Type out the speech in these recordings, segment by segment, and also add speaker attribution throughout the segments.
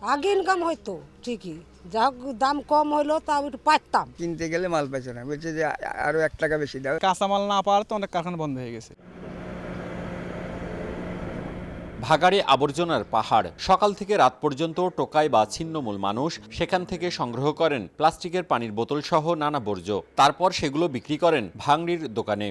Speaker 1: আগে ইনকাম হইতো ঠিকই, যা হোক দাম কম হইলো তা একটু পাইতাম।
Speaker 2: কিনতে গেলে মাল পাইছে না, বলছে যে আরো 1 টাকা বেশি দাও।
Speaker 3: কাঁচামাল না পাওয়ার তো অনেক কারখানা বন্ধ হয়ে গেছে।
Speaker 4: ভাগাড়ে আবর্জনার পাহাড়। সকাল থেকে রাত পর্যন্ত টোকাই বা ছিন্নমূল মানুষ সেখান থেকে সংগ্রহ করেন প্লাস্টিকের পানির বোতল সহ নানা বর্জ্য। তারপর সেগুলো বিক্রি করেন ভাঙড়ির দোকানে।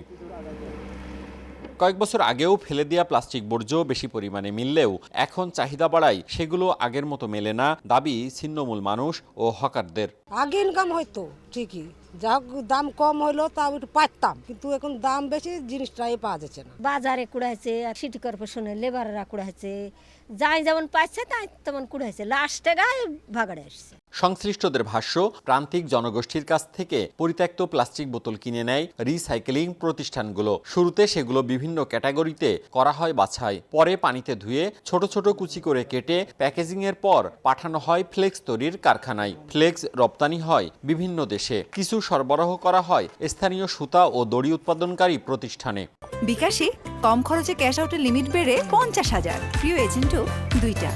Speaker 4: কয়েক বছর আগেও ফেলে দেওয়া প্লাস্টিক বর্জ্য বেশি পরিমাণে মিললেও এখন চাহিদা বাড়ায় সেগুলো আগের মতো মেলে না, দাবি ছিন্নমূল মানুষ ও হকারদের।
Speaker 1: আগে ইনকাম হইতো ঠিকই, যা হোক দাম কম হইলো তা একটু পাইতাম, কিন্তু এখন দাম বেশি, জিনিসটাই পাওয়া যাচ্ছে না।
Speaker 5: বাজারে কুড়াইছে, সিটি কর্পোরেশনের লেবাররা কুড়াইছে, যাই যেমন পাইছে তাই তেমন কুড়াইছে, লাস্টে গায়ে ভাগাড়ে আসছে।
Speaker 4: সংশ্লিষ্টদের ভাষ্য, প্রান্তিক জনগোষ্ঠীর কাছ থেকে পরিত্যক্ত প্লাস্টিক বোতল কিনে নেয় রিসাইকেলিং প্রতিষ্ঠানগুলো। শুরুতে সেগুলো বিভিন্ন ক্যাটাগরিতে করা হয় বাছাই, পরে পানিতে ধুয়ে ছোট ছোট কুচি করে কেটে প্যাকেজিংয়ের পর পাঠানো হয় ফ্লেক্স তৈরির কারখানায়। ফ্লেক্স রপ্তানি হয় বিভিন্ন দেশে, কিছু সরবরাহ করা হয় স্থানীয় সুতা ও দড়ি উৎপাদনকারী প্রতিষ্ঠানে।
Speaker 6: বিকাশে কম খরচে ক্যাশ আউটের লিমিট বেড়ে 50,000, প্রিয় এজেন্টও 2টা।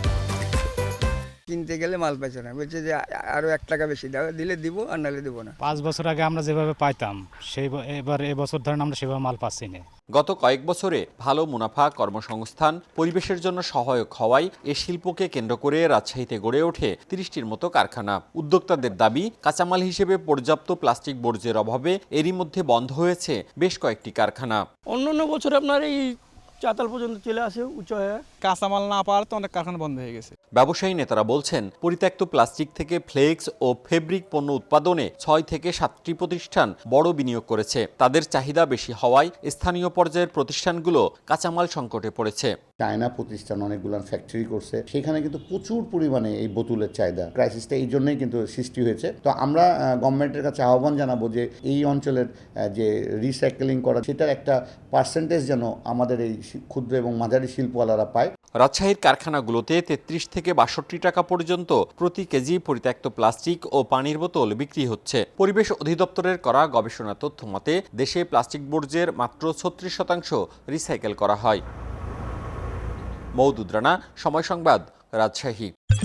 Speaker 2: কিনতে গেলে মাল পাইছে না, বলছে যে আরো 1 টাকা বেশি দাও, দিলে দিব আর নাহলে দিব না।
Speaker 7: 5 বছর আগে আমরা যেভাবে পাইতাম এবার এবছর ধরেন আমরা সেভাবে মাল পাচ্ছি না।
Speaker 4: গত কয়েক বছরে ভালো মুনাফা, কর্মসংস্থান, পরিবেশের জন্য সহায়ক হওয়ায় এ শিল্পকে কেন্দ্র করে রাজশাহীতে গড়ে ওঠে 30টির মতো কারখানা। উদ্যোক্তাদের দাবি, কাঁচামাল হিসেবে পর্যাপ্ত প্লাস্টিক বর্জ্যের অভাবে এরই মধ্যে বন্ধ হয়েছে বেশ কয়েকটি কারখানা।
Speaker 8: অন্য বছর আপনার এই চাতাল পর্যন্ত চলে আসে উঁচু হয়ে।
Speaker 3: কাঁচামাল না পাওয়ার তো অনেক কারখানা বন্ধ হয়ে গেছে।
Speaker 4: ব্যবসায়ী নেতারা বলছেন, পরিত্যক্ত প্লাস্টিক থেকে ফ্লেক্স ও ফেব্রিক পণ্য উৎপাদনে 6 থেকে 7টি প্রতিষ্ঠান বড় বিনিয়োগ করেছে। তাদের চাহিদা বেশি হওয়ায় স্থানীয় পর্যায়ের প্রতিষ্ঠানগুলো কাঁচামাল সংকটে পড়েছে।
Speaker 9: চায়না প্রতিষ্ঠান অনেকগুলো ফ্যাক্টরি করছে, সেখানে কিন্তু প্রচুর পরিমাণে এই বোতলের চাহিদা, ক্রাইসিসটা এই জন্যই কিন্তু সৃষ্টি হয়েছে। তো আমরা গভর্নমেন্টের কাছে আহ্বান জানাবো যে এই অঞ্চলের যে রিসাইকেলিং করা, সেটার একটা পার্সেন্টেজ যেন আমাদের এই ক্ষুদ্র এবং মাঝারি শিল্পওয়ালারা পায়।
Speaker 4: রাজশাহীর কারখানাগুলোতে 33 থেকে 62 টাকা পর্যন্ত প্রতি কেজি পরিত্যক্ত প্লাস্টিক ও পানির বোতল বিক্রি হচ্ছে। পরিবেশ অধিদপ্তরের করা গবেষণা তথ্য মতে দেশে প্লাস্টিক বর্জ্যের মাত্র 36% রিসাইকেল করা হয়। মওদুদ রানা, সময় সংবাদ, রাজশাহী।